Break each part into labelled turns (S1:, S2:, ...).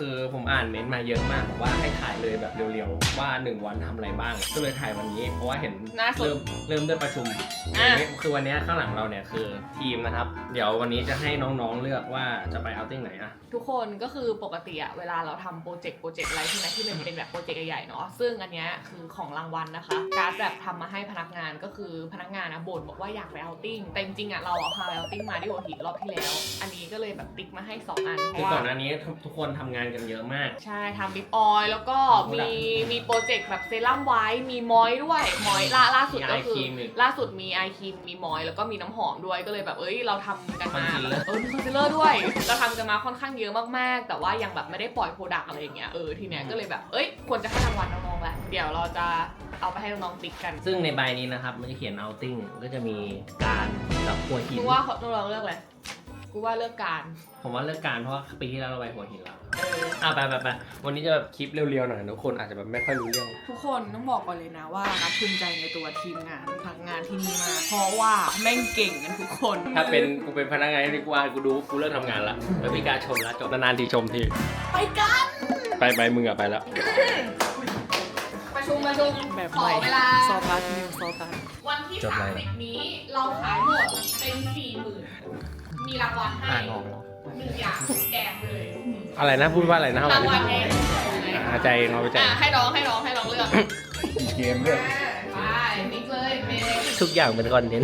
S1: คือผมอ่านเม้นต์มาเยอะมากบอกว่าให้ถ่ายเลยแบบเร็วๆว่า1 วันทำอะไรบ้างก็เลยถ่ายวันนี้เพราะว่าเห็นเริ่มด้วยประชุมคือวันนี้ข้างหลังเราเนี่ยคือทีมนะครับเดี๋ยววันนี้จะให้น้องๆเลือกว่าจะไปเอาติ้งไหนอะ
S2: ทุกคนก็คือปกติอะเวลาเราทำโปรเจกต์อะไรที่ไหนที่มันเป็นแบบโปรเจกต์ใหญ่ๆเนาะซึ่งอันเนี้ยคือของรางวัลนะคะการ์ดแบบทำมาให้พนักงานก็คือพนักงานนะบ่นบอกว่าอยากไปเอาติ้งแต่จริงๆอะเราเอาพาไปเอาติ้งมาที่หัวหินรอบที่แล้วอันนี้ก็เลยแบบติ๊กมาให้2 อัน
S1: คือก่อนหน้านี้ทุกคนทำงานกันเยอะมาก
S2: ใช่ทำลิปออยล์แล้วก็มีโปรเจกต์แบบเซรั่มไว้มีมอยด้วยมอยล่าสุดก็คือล่าสุดมีไอครีมมีมอยแล้วก็มีน้ำหอมด้วยก็เลยแบบเราทำกันมามีคอนซีลเลอร์ด้วยเราทำกันมาค่อนข้างเยอะมากๆแต่ว่ายังแบบไม่ได้ปล่อยโปรดักต์อะไรอย่างเงี้ยทีเนี้ยก็เลยแบบควรจะให้รางวัลน้องๆแหละเดี๋ยวเราจะเอาไปให้น้องๆติ๊กกัน
S1: ซึ่งในใบนี้นะครับมันจะเขียน outing ก็จะมีการกับหัวหิน
S2: กูว่าน้องๆเลือกอะไรกูว่าเลือกการ
S1: ผมว่าเลือกการเพราะว่าปีที่แล้วเราไปหัวหินแล้วไปวันนี้จะแบบคลิปเร็วๆหน่อยทุกคนอาจจะแบบไม่ค่อยรู้เรื่อง
S2: ทุกคนต้องบอกก่อนเลยนะว่านับภูมิใจในตัวทีมงานพนักงานที่นี่มากเพราะว่าแม่งเก่งกันทุกคน
S1: ถ้าเป็นกูเป็นพนักงานที่กูเลิกทำงานละแล้วมีการชมแล้วจบนานๆทีชมที
S2: ไปกัน
S1: ไปมึงอะไปแล้ว
S2: ประชุม
S3: แบบ
S2: ขอเวลา
S3: ซอพัสนิวซอพัส
S2: วันที่30นี้เราขายหมดเป็น 40,000 มีรางวัลให้1 อย่างแจกเลย
S1: อะไรนะพูดว่าอะไรนะ
S2: รางวัลเอง
S1: ใจเราไปใจ
S2: ให้น้องเลือก
S1: เกมด้วย
S2: ไปติ๊กเลย
S1: ทุกอย่างเป็นคอนเทนต์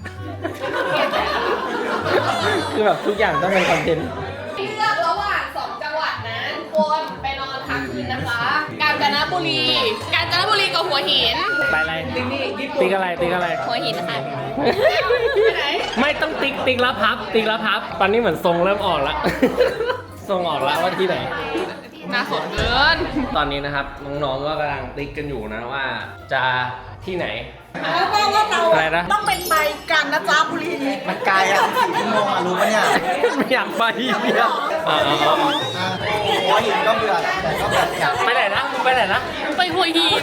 S1: คือแบบทุกอย่างต้องเป็นคอนเทนต์
S2: ติ๊กเลือกระหว่าง2 จังหวัดนะทุกคนไปนอนค้างคืนนะคะกาญจนบุรีกับหัวหิน
S1: ไปอะไรติ๊กอะไร
S2: หัวหินค่ะไปไหน
S1: ไม่ต้องติ๊กแล้วพับตอนนี้เหมือนทรงเริ่มออกแล้วทรงออกแล้วว่าที่ไหน
S2: น่าสนเกิน
S1: ตอนนี้นะครับน้องๆก็กำลังติ๊กกันอยู่นะว่าจะที่ไหน
S3: แล้วก็เราอะไรนะต้องเป็นไปกันนะจ๊ะบุรี
S4: มันไกลอ่ะ4 ชั่วโมงรู้ปะเนี่ย
S1: ไม่อยากไป
S4: เนี่ยหัวหินก็เบื่อแต่ก็แบบอยาก
S1: ไปไหนนะไป
S2: หัวหิน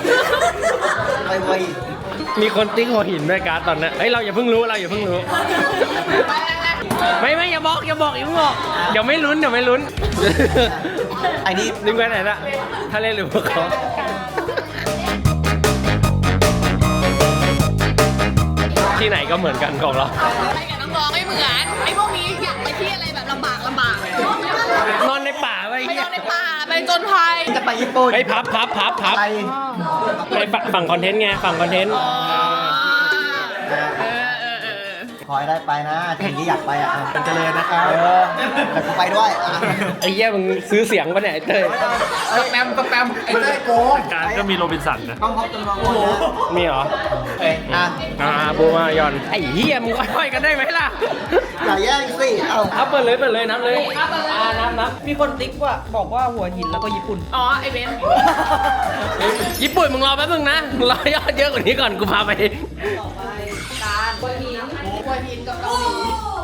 S1: มีคนติ๊กหัวหินด้วยการ์ดตอนนี้เราอย่าเพิ่งรู้ไม่อย่าบอกอย่าเพิ่งบอกเดี๋ยวไม่ลุ้น
S4: ไอ้นี่
S1: นึกไปไหนละทะเลหรือภูเขาที่ไหนก็เหมือนกันของเรา
S2: ไปกับน้องๆไม่เหมือนไอ้พวกนี้อยากไปที่อะไรแบบลำบาก
S1: นอนในป่าไป
S2: นอนในป่าไปจนภัย
S4: จะไปญี่ปุ่น
S1: พับไปฝั่งคอนเทนต์ไงฝั่งคอนเทนต์
S4: ขอให้ได้ไปนะทีที่อยากไปอ่ะเป็นเจริญนะครับแต่กูไปด้วย
S1: ไอ้เหี้ยมึงซื้อเสียงปะเนี่ยไอ้เต้ย
S4: สแปมไอ้เต้ยโกง
S1: การก็มีโรบินสันนะ
S4: ต้องเขาจำลอง
S1: มีเหรอบูมายอนไอ้เหี้ยมึงค่อยกันได้ไหมล่ะ
S4: อย่าแย่งสิ
S1: เอาเปิดเลยนับเลยนับ
S3: มีคนติ๊กว่าบอกว่าหัวหินแล้วก็ญี่ปุ่น
S2: ไอเบน
S1: ญี่ปุ่นมึงรอแป๊บนึงนะมึงรอยอดเยอะกว่านี้ก่อนกูพาไป
S2: การหัวหินกับเกาหลี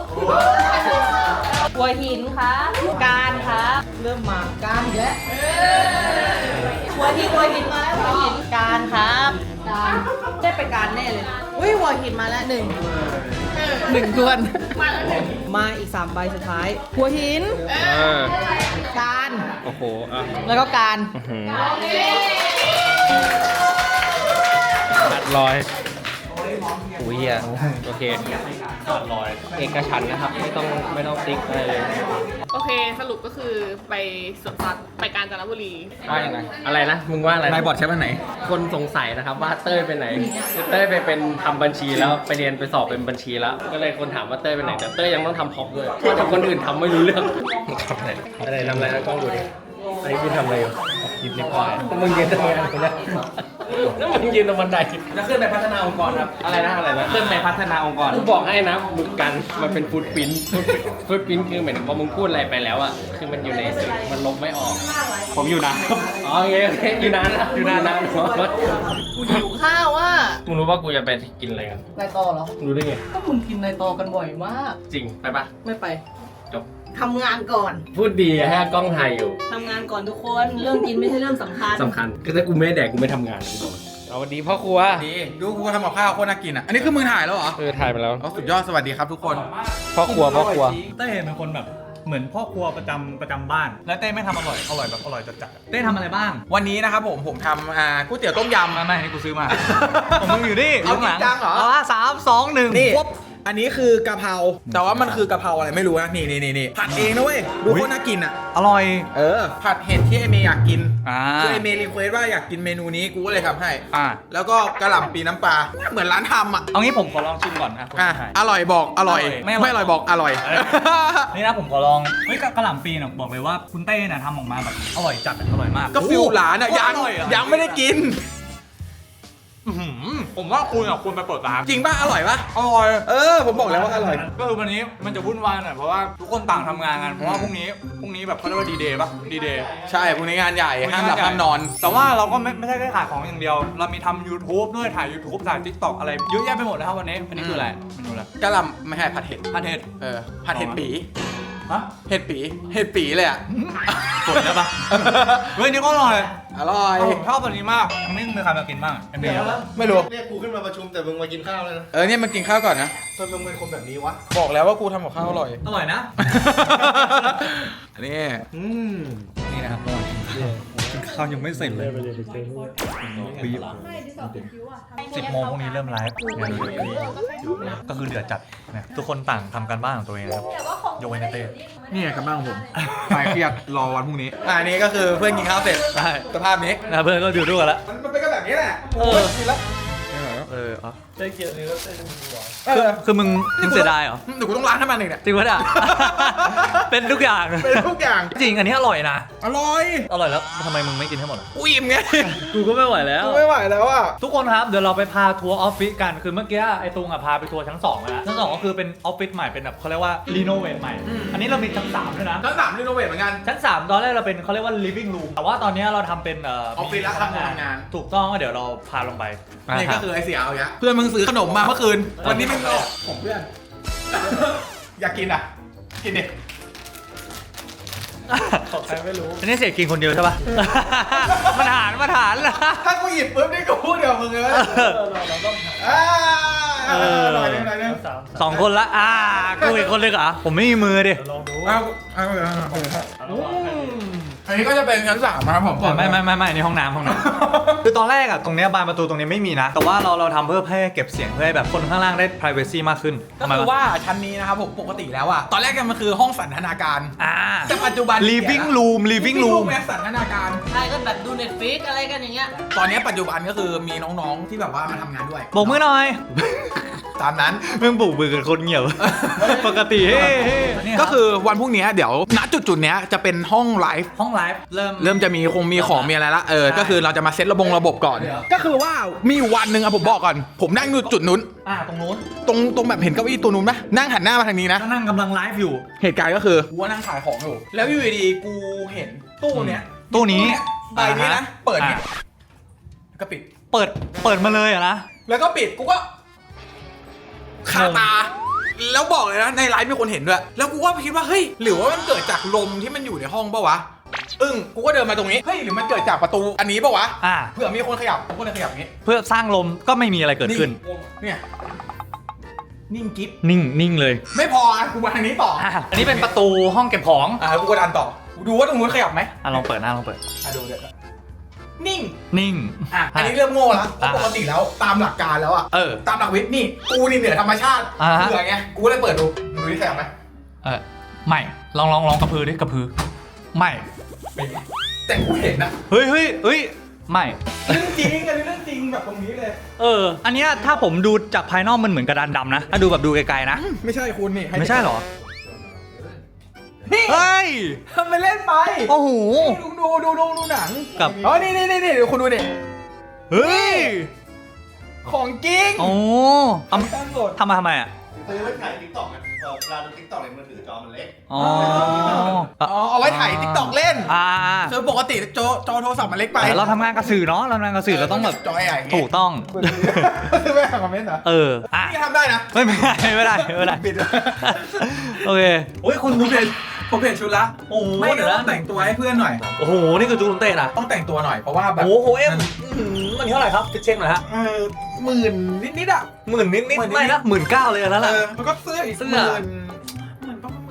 S3: หัวหินค่ะการค่ะเริ่มมาการอีกแล้วหัวหินมาแล้วหัวหินการครับการได้ไปการแน่เลยหัวหินมาแล้ว1ทวนมาอีก3 ใบสุดท้ายหัวหินการ
S1: โอ้โห
S3: แล้วก็การ
S1: ตัดรอยอุ้ยโอเคตัดรอยเอกฉันท์นะครับไม่ต้องติ๊กอะไรเลย
S2: โอเคสรุปก็คือไปสวนสัตว์ไปกาญจนบุรี
S1: อะไรนะมึงว่าอะไร
S4: นายบอดใช้วันไหน
S1: คนสงสัยนะครับว่าเต้ยไปไหนเต้ยไปเป็นทำบัญชีแล้วไปเรียนไปสอบเป็นบัญชีแล้วก็เลยคนถามว่าเต้ยไปไหนแต่เต้ยยังต้องทำพร็อพด้วยเพราะแต่คนอื่นทำไม่รู้เรื่องทำอะไรนะกล้องดูดิไอ้พี่ทำอะไรอยู่ยิบเล็กน้อยมึงยืนทำงานกูนะแล้วมึงยืนตรงบันได
S4: จะขึ้นไปพัฒนาองค์กรครับ
S1: อะไรนะ
S4: ขึ้นไปพัฒนาองค์กร
S1: กูบอกให้นะมึงกันมันเป็นฟูดปิ้นคือเหมือนพอมึงพูดอะไรไปแล้วอะคือมันอยู่ในมันลบไม่ออก
S4: ผมอยู่นะ
S1: โอเคอยู่นานนะ
S3: กูหิวข้าวอ่ะ
S1: มึงรู้ว่ากูจะไปกินอะไรกัน
S3: นายตอเหรอ
S1: รู้ได้ไง
S3: ก็มึงกินนายตอกันบ่อยมาก
S1: จริงไปปะ
S3: ไม่ไป
S1: จบ
S3: ทำงานก่อน
S1: พูดดีให้กล้องถ่ายอยู่
S3: ทำงานก่อนทุกคนเรื่องกินไม่ใช่เรื่องสำคัญ
S1: ก็ถ้ากูไม่แดกกูไม่ทำงานเอาวันดีพ่อครัว
S4: ดีดูกูทำกับข้าวโคตรน่ากินอ่ะอันนี้คือมึงถ่ายแล้วเหรอ
S1: ถ่ายไปแล้ว
S4: สุดยอดสวัสดีครับทุกคน
S1: พ่อครัว
S4: เต้ยเป็นคนแบบ
S5: เหมือนพ่อครัวประจำบ้าน แล้วเต้ไม่ทำอร่อยแบบอร่อยจัดๆเต้ทำอะไรบ้าง
S6: วันนี้นะครับผมทำก๋วยเตี๋ยวต้มยำ
S5: ไม่นี่กูซื้อมา ผมมึงอยู่นี่
S6: เอาจริงจังเหรอ
S5: 3 2 1
S6: นี่อันนี้คือกะเพราแต่ว่ามันคือกะเพราอะไรไม่รู้นะนี่ผัดเองนะเว้ยดูโคตรน่ากินอ่ะ
S5: อร่อย
S6: ผัดเห็ดที่ไอเมย์อยากกิน
S5: อ่า
S6: คือไอเมย์รีเควสว่าอยากกินเมนูนี้กูก็เลยทำให้
S5: อ่า
S6: แล้วก็กระหล่ำปีน้ำปลาเหมือนร้านทำอ่ะ
S5: เอางี้ผมขอลองชิมก่อนนะ
S6: อร่อยบอกอร่อย
S5: ไม่อร่อย
S6: ไม่อร่อยบอกอร่อย
S5: นี่นะผมขอลองเฮ้ยกะหล่ำปีน่ะบอกเลยว่าคุณเต้น่ะทำออกมาแบบอร่อยจัดอร่อยมาก
S6: ก็ฟิลหลานอ่ะ
S5: โอ้
S6: ยัง
S5: อร่อยอะ
S6: ยังไม่ได้กิน
S5: ผมว่าคุณไปเปิดร้าน
S6: จริงป่ะอร่อยป่ะ
S5: อร่อย
S6: ผมบอกแล้วว่าอร่อย
S5: ก็คือวันนี้มันจะวุ่นวายหน่อยเพราะว่าทุกคนต่างทำงานกันเพราะว่าพรุ่งนี้แบบเขาเรียกว่าดีเดย์ป่ะดีเดย์
S6: ใช่พรุ่งนี้งานใหญ่ห้ามหลับห้ามนอน
S5: แต่ว่าเราก็ไม่ใช่แค่ขายของอย่างเดียว เรามีทำ YouTube ด้วยถ่าย YouTube ถ่าย TikTok อะไรเยอะแยะไปหมดนะครับวันนี้อันนี้คืออะไรเมนูอะไร
S6: กะหล่ำไม่ใช่ผัดเห็ด
S5: ผัดเห็ด
S6: ผัดเห็ดปี
S5: ฮะ
S6: เห็ดปีเลยอ่ะ
S5: กดได้ปะเฮ้ยนี่ก็อร่อย
S6: อร่อย
S5: ผมชอบตัวนี้มากอันนี้มีใครมากินบ้างไอ้เมย์
S6: ไม่รู้
S4: เรียกกูขึ้นมาประชุมแต่มึงมากินข้าวเลยนะ
S6: เนี่ยมันกินข้าวก่อนนะ
S4: ทำไมมึงเป็นคนแบบนี้วะ
S6: บอกแล้วว่ากูทำกับข้าวอร่อย
S5: อร่อยนะ
S6: อันนี้
S5: นี่นะครับระหว่างกินข้าวยังไม่เสร็จเลยปีบ10 โมงพรุ่งนี้เริ่มไลฟ์ก็คือเดือดจัดนะทุกคนต่างทำการบ้านของตัวเองนะครับยกเว้นเต้
S6: นี่กำลังผมคลายเครียดรอวันพรุ่งนี้อันนี้ก็คือเพื่อนกินข้าวเสร็จ
S5: ใช่
S6: สภาพนี้
S5: นะเพื่อนก็อยู่ด้วยกันแล้ว
S6: มันเป็นก็แบบนี้แหละกินแล้ว
S5: อ๋อ
S1: ได้เกี่ยวนี้แล้วเต้นหัว
S5: คือมึงเสียดายเหรอ
S6: เดี๋ยวกูต้องล้างให้มันเองเนี่ย
S5: จริงปะเนี่ย เป็นทุกอย่าง
S6: เป็นทุกอย่าง
S5: จริงอันนี้อร่อยนะ
S6: อร่อย
S5: อร่อยแล้วทำไมมึงไม่กินให้หมดอะ
S6: กูอิ่มไง
S1: กูก็ไม่ไหวแล้ว
S6: กูไม่ไหวแล้วอ่ะ
S5: ทุกคนครับเดี๋ยวเราไปพาทัวร์ออฟฟิศกันคือเมื่อกี้ไอ้ตุงอะพาไปทัวร์ชั้น2แล้วชั้น2ก็คือเป็นออฟฟิศใหม่เป็นแบบเขาเรียกว่ารีโนเวทใหม่ อันนี้เรามีชั้น3ด้วยนะ
S6: ชั้น3รีโนเวทเหมือนกัน
S5: ชั้น3ตอนแรกเราเป็นเขาเรียกว่า living room แต่ว่าตอนนี้เราทำเป็น
S6: ออฟฟิศแล้วทำงาน
S5: ถูกต้องก็เดี๋ยวเราพาลงไป
S6: นี่ก็คือไอเสียเอาอย่างเงี้ยเพื่อนมึงซื้อขนมมาเมื่อคืน วันนี้มึงบอกผมเพื่อน อยากกินอ่ะ กินดิ
S1: ของใครไม่รู้
S5: อันนี้เสียกินคนเดียวใช่ปะ มาถาน
S6: ถ้ากูหยิบปุ๊บนี่กูพูดเดี๋ยวมึงเลยเราต้องหน่อยนึง
S5: สองคนละกูอีกคนเลยเหรอผมไม่มีมือดิ
S1: ลองดู
S6: อันนี้ก็จะเป็นชั้น3นะครับผม
S5: ไม่นี่ห้องน้ำ คือตอนแรกอะตรงเนี้ยบานประตูตรงนี้ไม่มีนะ แต่ว่าเราทำเพื่อให้เก็บเสียงเพื่อให้แบบคนข้างล่างได้ privacy มากขึ้น
S6: ก็คือว่าชั้นนี้นะครับผมปกติแล้วอะตอนแรกมันคือห้องสันทนาการ แต่ปัจจุบัน
S5: living room
S6: แม่สันทนาการ
S3: ใช่ก็แบบดู Netflix อะไรกันอย่างเงี้ย
S6: ตอนนี้ปัจจุบันก็คือมีน้องๆที่แบบว่ามาทำงานด้วย
S5: โบกมือหน่อย
S6: ตามนั้น
S5: เพิ่งปลูกมือกันคนเงียบ ปกติเฮ้
S6: ก็คือวันพรุ่งนี้เดี๋ยวณจุดเนี้ยจะเป็นห้องไลฟ์
S5: ห้องไลฟ์เริ่ม
S6: จะมีมีของมีอะไรละก็คือเราจะมาเซตระบบก่อน ก็คือว่ามีวันหนึ่งอะผมบอกก่อน ผมนั่งอยู่จุดนู้น
S5: ตรงนู้น
S6: ตรงแบบเห็นเก้าอี้ตัวนู้นไหมนั่งหันหน้ามาทางนี้นะ
S5: ก็นั่งกำลังไลฟ์อยู่
S6: เหตุการณ์ก็คือกูนั่งขายของอยู่แล้วอยู่ดีๆกูเห็นตู้เนี้ย
S5: ตู้นี้
S6: ใบนี้นะเปิดเนี่ยก็ปิด
S5: เปิดมาเลยอะนะ
S6: แล้วก็ปิดกูก็คาตา แล้วบอกเลยนะในไลฟ์มีคนเห็นด้วยแล้วกูก็คิดว่าเฮ้ยหรือว่ามันเกิดจากลมที่มันอยู่ในห้องปะวะกูก็เดินมาตรงนี้เฮ้ยหรือมันเกิดจากประตูอันนี้ปะวะเผื่อมีคนขยับกูก็เลยขยับอย่างนี้
S5: เพื่อสร้างลมก็ไม่มีอะไรเกิดขึ้น
S6: เนี่ยนิ่งกิ๊บ
S5: นิ่งเลย
S6: ไม่พอกูมาทางนี้ต่อ
S5: อันนี้เป็นประตูห้องเก็บของ
S6: กูก็ดันต่อกูดูว่าตรงนู้นขยับไหม
S5: ลองเปิดลองเปิด
S6: ดูเดี๋ยวนิ่ง
S5: นิ่ง
S6: อันนี้เริ่มโง่แล้วเพราะปกติแล้วตามหลักการแล้วตามหลักวิทย์นี่กูนี่เหนือธรรมชาติเผื่อไงกูเลยเปิดดูที่ขยับไหม
S5: ไม่ลองกระพือดิกระพือไม่
S6: แต่กูเห็นนะ
S5: เฮ้ยไม่
S6: เรื่องจริงอันนี้เรื่องจริงแบบตรงนี้เลย
S5: อันเนี้ยถ้าผมดูจากภายนอกมันเหมือนกระดานดำนะถ้าดูแบบดูไกลๆนะ
S6: ไม่ใช่คุณนี่
S5: ไม่ใช่เหรอ
S6: นี่
S5: เฮ้ย
S6: ทำไปเล่นไป
S5: โอ้โห
S6: ดูหนัง
S5: กับ
S6: นี่เดี๋ยวคุณดูดิ
S5: เฮ้ย
S6: ของจริง
S5: โอ้
S6: ตั้งสด
S5: ทำมาอะ
S4: ซื้อไว้ถ่ายติ๊กต็อกกันเวลาดูติ๊กต็อกในมือถือจอมันเล็ก
S6: เอาไว้ถ่ายติ๊กต็อกเล่น
S5: อ่า
S6: คือปกติจอโทรศัพท์มันเล็กไป
S5: เราทำงานกับสื่อเนาะเราทำงานกับสื่อเราต้องแบบ
S6: จอใหญ่
S5: ถูกต้อง
S6: ซื้อไปคอมเมนต์เหรอ นี่ทำได้นะ
S5: ไม่ได้
S6: ปิด
S5: โอเค
S6: โอ้ยคุณผมเปลี่ยนชุดละ
S5: โอ้โห
S6: ไม่
S5: เดี๋
S6: เดี๋
S5: ย
S6: ยว ว
S5: นะ
S6: แต่งตัวให้เพื่อนหน่อย
S5: โอ้โหนี่คือจูนเต้นะ
S6: ต้องแต่งตัวหน่อยเพราะว่าแบบ
S5: โอ้โหมันเท่าไหร่ครับเช็คหน่อยฮะ
S6: 10,000นิดๆอ่ะ
S5: 10,000นิดไม่นะ19,000เลยนั่นแหละ
S6: แล้วก็เสื้ออีก
S5: เสื้อ
S6: 10,000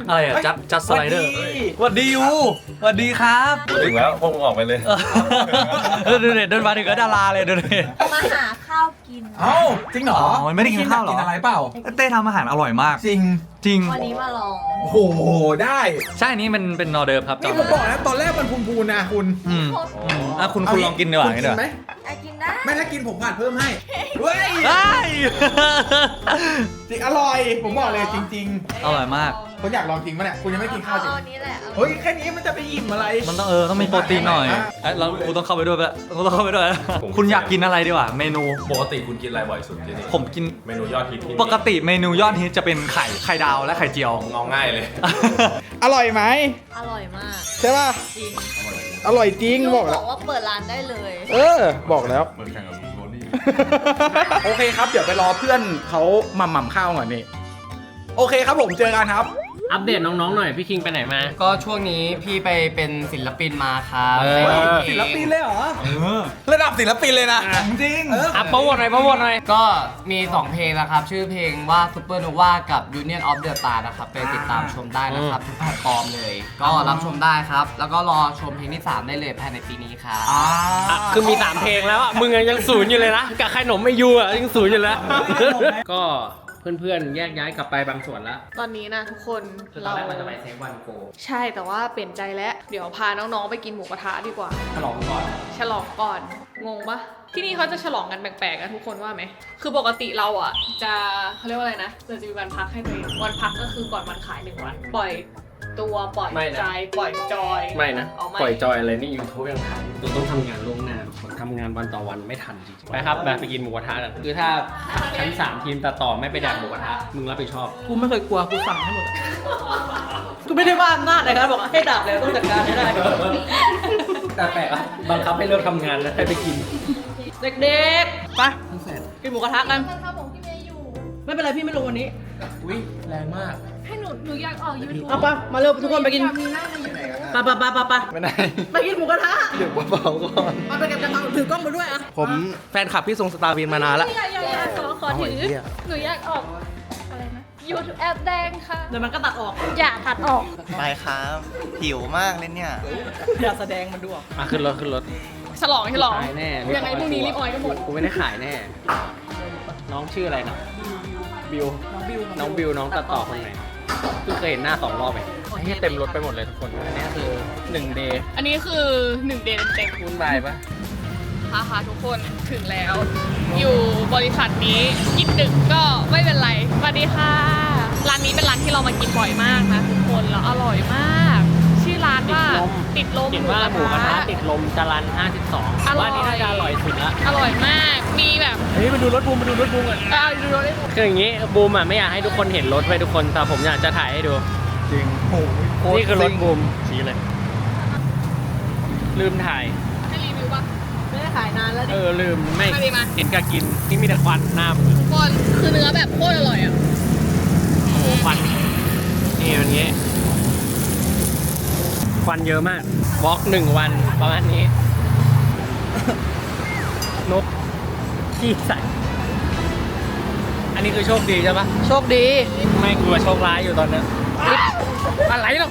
S5: อะไรอะจัดสไลเดอร์สวัสดียูสวัสดีครับ
S1: ถึงแล้วพวกมึงออกไปเลย
S5: ดูเด็ดเดินมาถึงก็ดาราเลยดูเด็ด
S7: มาหาข้าวกิน
S6: เอ้าจริงเหรอ
S5: อ๋อไม่ได้กินข้าวเหรอ
S6: กินอะไรเปล่า
S5: เต้ทำอาหารอร่อยมาก
S6: จริง
S5: จริง
S7: วันนี้มาลอง
S6: โอ้โหได้
S5: ใช่อันนี้มันเป็นนอร์เดิร์ฟครับ
S6: นี่ผมบอกนะตอนแรกมันพูนๆนะคุณ
S5: คุณลองกินดีกว่า
S6: คุณ
S5: งี้
S6: กิ
S5: ดีกว่า
S6: นไหม
S7: กินได้
S6: ไม่ถ้ากินผมผัดเพิ่มให้เฮ้ย
S5: ได้
S6: จริงอร่อย ผมบอกเลยจริง
S5: อร่อยมาก
S6: ๆคุณอยากลองกินปะเนี่ยคุณยังไม่กินข้าวจริง
S7: เอานี้แหละ
S6: เฮ้ยแค่นี้มันจะไปอิ่มอะไร
S5: มันต้องมีโปรตีนหน่อยแล้วกูต้องเข้าไปด้วยปะกูต้องเข้าไปด้วย คุณอยากกินอะไรดีกว่าเมนู
S1: ปกติคุณกินอะไรบ่อยสุดที่นี่
S5: ผมกิน
S1: เมนูยอดฮิตที่
S5: ปกติเมนูยอดฮิตจะเป็นไข่ดาวและไข่เจียว
S1: เอาง่ายเลย
S6: อร่อยไหม
S7: อร่อยมาก
S6: ใช่ป่ะ
S7: จริง
S6: อร่อยจริง
S7: ยู
S6: บอก
S7: บ
S6: แล้ว
S7: อกว่าเปิดร้านได้เลย
S6: บอกแล้ว
S1: เหมือนแข่งกับโรนี่
S6: โอเคครับ เดี๋ยวไปรอเพื่อนเขาหม่ำข้าวก่อนนี่ โอเคครับผมเจอกันครับ
S1: อัปเดตน้องๆหน่อยพี่คิงไปไหนมา
S8: ก็ช่วงนี้พี่ไปเป็นศิลปินมาครับ
S1: เออ
S6: ศิลปินเลยเหรอ ระดับศิลปินเลยนะ จริง
S1: อ่ะโปรโมทหน่อยโปรโมทหน่อย
S8: ก็มี 2 เพลงนะครับ ชื่อเพลงว่า Supernova กับ Union of the Star นะครับ ไปติดตามชมได้นะครับ ทุกแพลตฟอร์มเลย ก็รับชมได้ครับ แล้วก็รอชมเพลงที่ 3 ได้เลยภายในปีนี้ครับ
S1: อ่ะคือมี3เพลงแล้วอ่ะมึงยังศูนย์อยู่เลยนะกับขนมไม่ยูอ่ะยังศูนย์อยู่แล้ว ก็เพื่อนๆแยกย้ายกลับไปบางส่วนแล้ว
S2: ตอนนี้นะทุกคน
S1: คือตอนแรกมันจะไปเซฟวันโก
S2: ใช่แต่ว่าเปลี่ยนใจแล้ว เดี๋ยวพาน้องๆไปกินหมูกระทะดีกว่า
S1: ฉลองก่อน
S2: ฉลองก่อน งงปะที่นี่เขาจะฉลองกันแปลกๆนะทุกคนว่าไหม คือปกติเราอ่ะจะเขาเรียกว่าอะไรนะเราจะมีวันพักให้ตัวเองวันพักก็คือก่อนวันขาย1 วัน ปล่อยตัวปล่อยใจปล่อยจอย
S1: ไม่นะ
S2: เอาไม่
S1: ปล่อยจอยอะไรนี่ยูทูบยังทันเราต้องทำงานล่วงหน้าทุกคนทำงานวันต่อวันไม่ทันจริงๆไปครับไปกินหมูกระทะกันคือถ้าชั้น3ทีมตัดต่อไม่ไปแดกหมูกระทะมึงรับผิดชอบ
S3: กูไม่เคยกลัวกูสั่งให้หมดกูไม่ได้ว่าอำนาจนะครับบอกให้ดับแล้วต้องจัดการให้ได้
S1: แต่แปลกอะบังคับให้เลิกทำงานแล้วให้ไปกิน
S3: เด็กๆไปกินหมูกระทะกันไม่เป็นไรพี่ไม่ลงวันนี้
S1: อุ้ยแรงมาก
S7: ให้หนูอยากออกยูทูบ
S3: เอาปะมาเร็วทุกคนไปกินปะไปไหนไปกินหมูกระทะ
S4: เดี๋ยวเบาๆก่อน
S3: มาไปเก็บกระเป๋าถือกล้องมาด้วยอะ
S4: ผมแฟนคลับพี่ทรงสตาร์วินมานานละ
S7: อยากขอถือ หนูอยากออกอะไรนะยูทูบแอปแดงค่ะ
S3: เดี๋ยวมันก็ตัดออก
S7: อย่าตัดออก
S4: ไปครับหิวมากเลยเนี่ย
S3: อย่าแสดงมันดูออก
S1: มาขึ้นรถ
S2: ฉลอง
S1: ขายแน่
S2: ยังไงพรุ่งนี้รีบออยก็หมด
S1: กูไม่ได้ขายแน่ น้องชื่ออะไรนะบิวน้องบิวน้องตัดต่อคนไหนเพิ่งเคยเห็นหน้า2 รอบเองนี่เต็มรถไปหมดเลยทุกคนอันนี้คือ1 เดย์
S2: อันนี้คือ1 เดือนเต็ม
S1: วุ่นวายปะ
S2: ค่ะทุกคนถึงแล้ว อยู่บริษัทนี้กินดึกก็ไม่เป็นไรสวัสดีค่ะร้านนี้เป็นร้านที่เรามากินบ่อยมากนะทุกคนแล้วอร่อยมาก ชื่อร้านว่าติดลม
S1: เห็นว่าหมูกระทะติดลมจรัน52ว่านี่น่าจะอร่อยสุดละ
S2: อร่อยมากมีแบบ
S1: เฮ้ยมาดูรถบูมก่อน
S2: เอาดูได้
S1: คืออย่างนี้บูมอ่ะไม่อยากให้ทุกคนเห็นรถไว้ทุกคนแต่ผมอยากจะถ่ายให้ดู
S4: จริงโอ้โห
S1: นี่คือรถบูมชี้เลย ลืมถ่าย
S2: ให้รีวิวป่ะ
S3: ไม่ได้ขายนานแล้วดิ
S1: ลืมไม่
S2: มาดิมา
S1: เห็นกะกินนี่มีแต่ควันหน้ามึง
S2: ทุกคนคือเนื้อแบบโคตรอร่อยอ่ะ
S1: โอ้โหควันนี่อย่างนี้ควันเยอะมากบล็อก1 วันประมาณนี้ นกขี้ใส่อันนี้คือโชคดีใช่ปะ
S3: โชคดี
S1: ไม่กลัวโชคร้ายอยู่ตอนนี้อะไรหรอก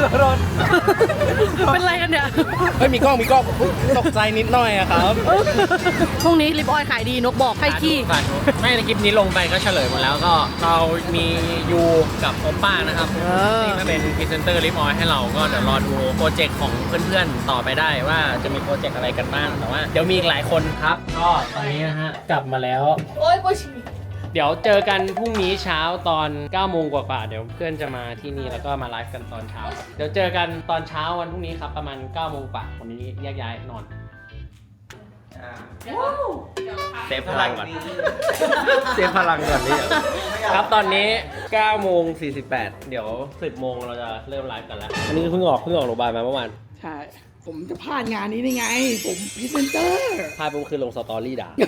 S1: เป็นไรกันเนี่ยเฮ้ยมีกล้องตกใจนิดหน่อยอะครับ
S3: พรุ่งนี้ลิปออยขายดีนกบอกให้ขี้
S1: ไม่ในคลิปนี้ลงไปก็เฉลยหมดแล้วก็เรามียูกับโอป้านะครับที่มาเป็นพรีเซนเตอร์ลิปออยให้เราก็เดี๋ยวรอดูโปรเจกต์ของเพื่อนๆต่อไปได้ว่าจะมีโปรเจกต์อะไรกันบ้างแต่ว่าเดี๋ยวมีอีกหลายคนครับก็ตอนนี้นะฮะกลับมาแล้ว
S2: โอ้ยปวดฉี่
S1: เดี๋ยวเจอกันพรุ่งนี้เช้าตอน 9 โมงกว่าๆเดี๋ยวเพื่อนจะมาที่นี่แล้วก็มาไลฟ์กันตอนเช้า เดี๋ยวเจอกันตอนเช้าวันพรุ่งนี้ครับประมาณ 9 โมงกว่าวันนี้แยกย้ายนอนเซฟพลังก่อนเซฟพลังก่อนนี่ครับตอนนี้ 9 โมง 48 เดี๋ยว 10 โมงเราจะเริ่มไลฟ์กันแล้วอันนี้เพิ่งออกโรงพยาบาลมาเมื่อวาน
S9: ใช่ ผมจะพลาดงานนี้ได้ไง ผมพรีเซนเตอร์
S1: พาไปคือลงสตอรี่ด่า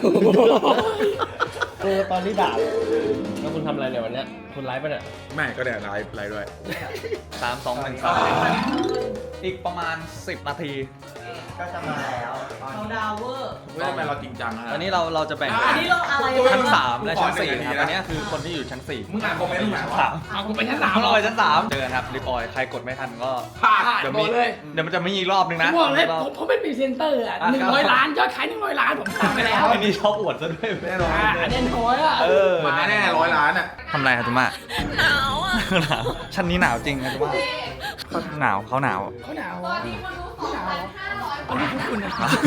S1: ตอนนี้ด่าแล้วคุณทำอะไรเนี่ยวันเนี้ยคุณไลฟ์ป่ะเนี่ย
S6: ไม่ก็ได้ไลฟ์ด้วย
S5: 3 2 1 3อีกประมาณ10 นาที
S4: ก็จะมาแล้ว
S3: เราดาวเวอร์
S6: เว้ยทำไมเราจริงจังนะ
S5: อันนี้เราจะแบ่ง
S3: อันนี้เราอะไร
S5: ชั้น3และชั้น4ครับอันนี้คือคนที่อยู่ชั้น4
S6: มึงอ่านคอมเมนต์ตรงไหนวะ
S5: เอากูไปชั้น3เราไปชั้น3เจอกันครับรีบออยใครกดไม่ทันก็
S6: ผ่าน
S5: เดี๋ยวมันจะมีอีกรอบนึงนะ
S9: บอกเลยผมเป็นพรีเซนเตอร์อ่ะ100 ล้านยอดขาย100 ล้านผมทำไปแล้ว
S5: อันนี้ชอบอวดซะด้วยแน่นอน
S9: อันนี้น้อยอ่ะ
S6: มาแน่100 ล้านอ่ะ
S5: ทำไรครับจุม่าหนาวอ่ะหนาวชั้นนี้หนาวจริงนะจุม่าหนาวเขาหนาว
S9: เขาหนาว
S2: ตอนนี้มันรู้2,500
S9: อันนี้พวกคุณนะ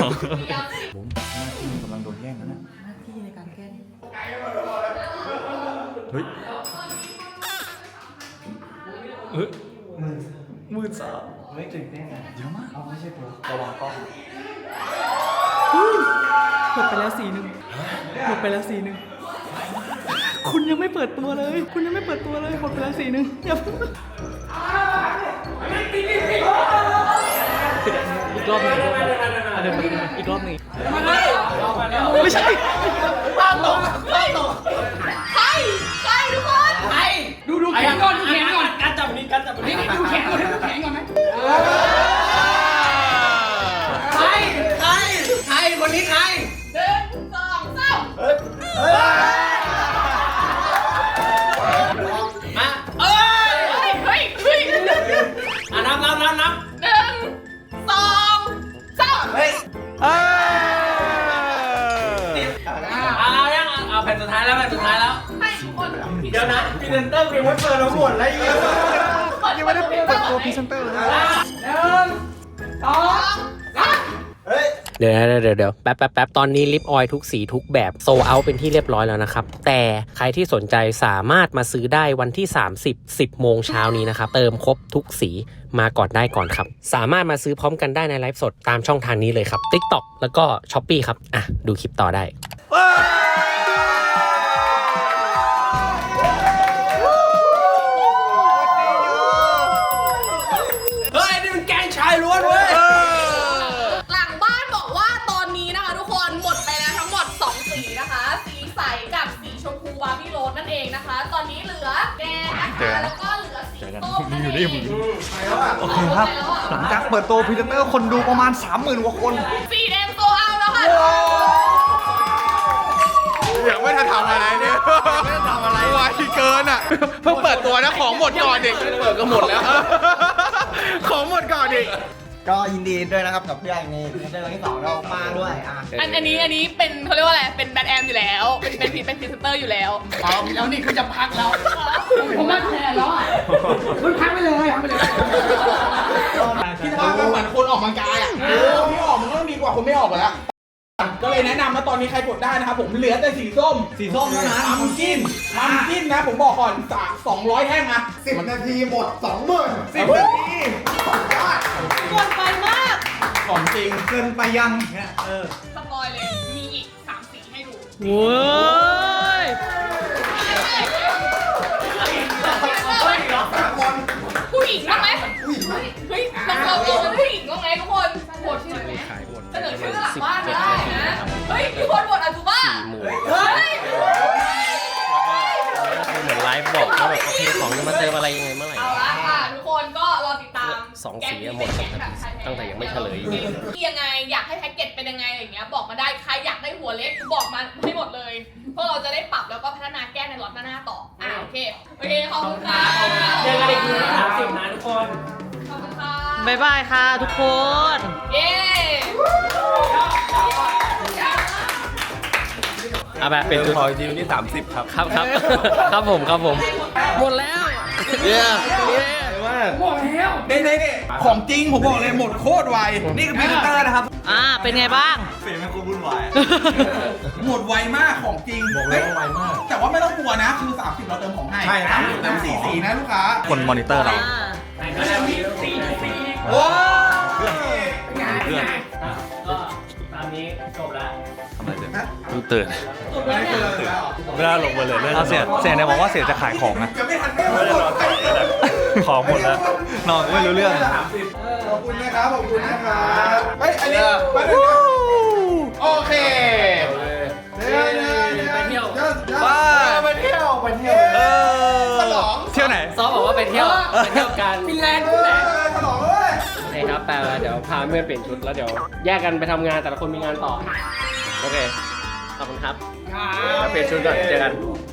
S5: กำลังโดนแย่งนะ
S3: หน้าที่ในการแก้
S5: เฮ้ยมืดสาไม่ตื่นเต้นนะเยอะมากเอาไม่ใช่ตัวระวังกล้อง
S9: หมดไปแล้วสีหนึ่งหมดไปแล้วสีหนึ่งคุณยังไม่เปิดตัวเลย คุณยังไม่เปิดตัวเลยหมดไปแล้วสีหนึ่งอย่าเพิ่งอีกรอบหนึ่งอีกรอบหนึ่งไม่ใช่
S2: ใครทุกคน
S9: ดูแขนก่อนดูแขนก่อนการจับนี้การจับนี้ดูแขนก่อนดูแขนก่อนไหมใครคนนี้ใคร
S2: 1 2 3
S1: มาเ
S2: เฮ้ย
S1: อ่ะนับ
S2: 1 2 3
S1: เอายังเอาแผ่นสุดท้ายแล้วให้ทุกคน เดี๋ยวนะพรีเซนเตอร์ยังไม่เปิดมาหมดแล้วยังไม่ได้เปิดตัวพรีเซนเตอร์เลย
S10: เดี๋ยวแป๊บตอนนี้ลิปออยล์ทุกสีทุกแบบโซเอาเป็นที่เรียบร้อยแล้วนะครับแต่ใครที่สนใจสามารถมาซื้อได้วันที่10 โมงเช้านี้นะครับเติมครบทุกสีมาก่อนได้ก่อนครับสามารถมาซื้อพร้อมกันได้ในไลฟ์สดตามช่องทางนี้เลยครับ TikTok แล้วก็ Shopee ครับอ่ะดูคลิปต่อได้
S1: เฮ้ยนี่มันแกงชายล้วนเว้ย
S2: หลังบ้านบอกว่าตอนนี้นะคะทุกคนหมดไปแล้วทั้งหมด2สีนะคะ สีใสกับสีชมพูบาร์บี้โรสนั่นเองนะคะ ตอนนี้เหลือแดงนะคะแล้วก็เหลือสีส้มนั่นเอง
S5: โอเคครับหลังจากเปิดตัวพรีเซนเตอร์คนดูประมาณ 30,000 กว่าคน
S2: สีแดงโซเอาแล้วค่ะ
S6: ยังไม่ทันทำอะไรเนี่ยไม่ทันทำอะไรไวเกินอ่ะเพิ่งเปิดตัวนะของหมดก่อนดิเปิดก็หมดแล้วของหมดก่อนดิ
S4: ก็ยินดีด้วยนะครับกับพี่ไอ้นี่พรีเซนเตอร์คนที่2เรามาด้วย
S2: อันนี้เป็นเขาเรียกว่าอะไรเป็นแบทแอมอยู่แล้วเป็นพรีเซนเตอร์อยู่แล้ว
S9: แล้วนี่คือจะพักแล้วผมว่าแทนแล้วอ่ะคุณพักไปเลยพักไปเลย
S6: พี่ทำเหมือนคนออกกำลังกายอ่ะคนที่ออกมันก็ต้องดีกว่าคนไม่ออกอยู่แล้วก็เลยแนะนำนะตอนนี้ใครกดได้นะครับผมเหลือแต่สีส้มเท่านั้นมัมกินนะผมบอกก่อน200แท่งนะ10 นาทีหมด 20,000 10 นาที
S3: ก่อนไปมาก
S6: ของจริงเกินไปยังเนี่ย
S2: สปอยเลย มีอีก3สีให้ดู
S3: โว้ย
S2: ผู้หญิงบ้างไหมเฮ้ยเราเป็นผู้หญิงบ้างไหมทุกคนโหวตชื่อไหมเสนอชื่อหลังบ้านก็ได้นะ เฮ้ยทุกคนโหวตอาจูบ้า
S10: 4 โมง
S2: เฮ้ย
S10: เหมือนไลฟ์บอกว่าแบบโอเคของจะมาเติมอะไรยังไงเมื่อไหร่
S2: เอาละค่ะทุกคนก็รอติดตาม
S10: 2 สีหมดตั้งแต่ยังไม่เฉลยอยู่
S2: ยังไงอยากให้แพ็กเกจเป็นยังไงอะไรเงี้ยบอกมาได้ใครอยากได้หัวเล็กบอกมาให้หมดเลยเพื่อเราจะได้ปรับแล้วก็พัฒนาแก้ในล็อตหน้าต่อโอเคขอบคุณค่ะ
S1: เจอกันอีกทีที่30นะทุกคน
S2: ขอบคุณค่ะ
S3: บ๊ายบายค่ะทุกคน
S2: เย้
S10: เอาแบบเป็นตัวทีวันที่30ครับครับผมหมดแล้วเย้
S6: นี่ของจริงผมบอกเลยหมดโคตรไวนี่คือพรีเซนเตอร์นะครับ
S3: เป็นไงบ้าง
S5: เสียงมันกูวุ่นวาย
S6: หมดไวมากของจริงบอกเลยว่าไวมากแต่ว่าไม่ต้องกลัวนะคือ30เราเติมของให้ใช่ครับเติม4 สีนะลูกค้า
S5: คนมอนิเตอร์เรา
S6: โอ้
S5: เครื่อง
S1: ก็ตามนี้จบแล้ว
S5: ทำอะไรเสร็จดูตื่น
S6: ไม่เกินแล้ว
S5: ไม่ได้ลงไปเลยเสียเนี่ยบอกว่าเสียจะขายของนะ
S6: จะไม่ทันไม่หมด
S5: ของหมดแล้วนอนไม่รู้เรื่อง
S6: ขอบคุณนะครับขอบคุณนะครับเฮ้ยอันนี้มาดูโอเคไปเที่ยวไปเที่ยวฉลอง
S5: เที่ยวไหน
S1: ซอฟบอกว่าไปเที่ยวกัน
S9: ฟินแลนด์
S6: ฉลองเลย
S1: เอครับแต่เดี๋ยวพาเพื่อนเปลี่ยนชุดแล้วเดี๋ยวแยกกันไปทำงานแต่ละคนมีงานต่อโอเคขอบคุณครับแล้วเปลี่ยนชุดก่อนเจอกัน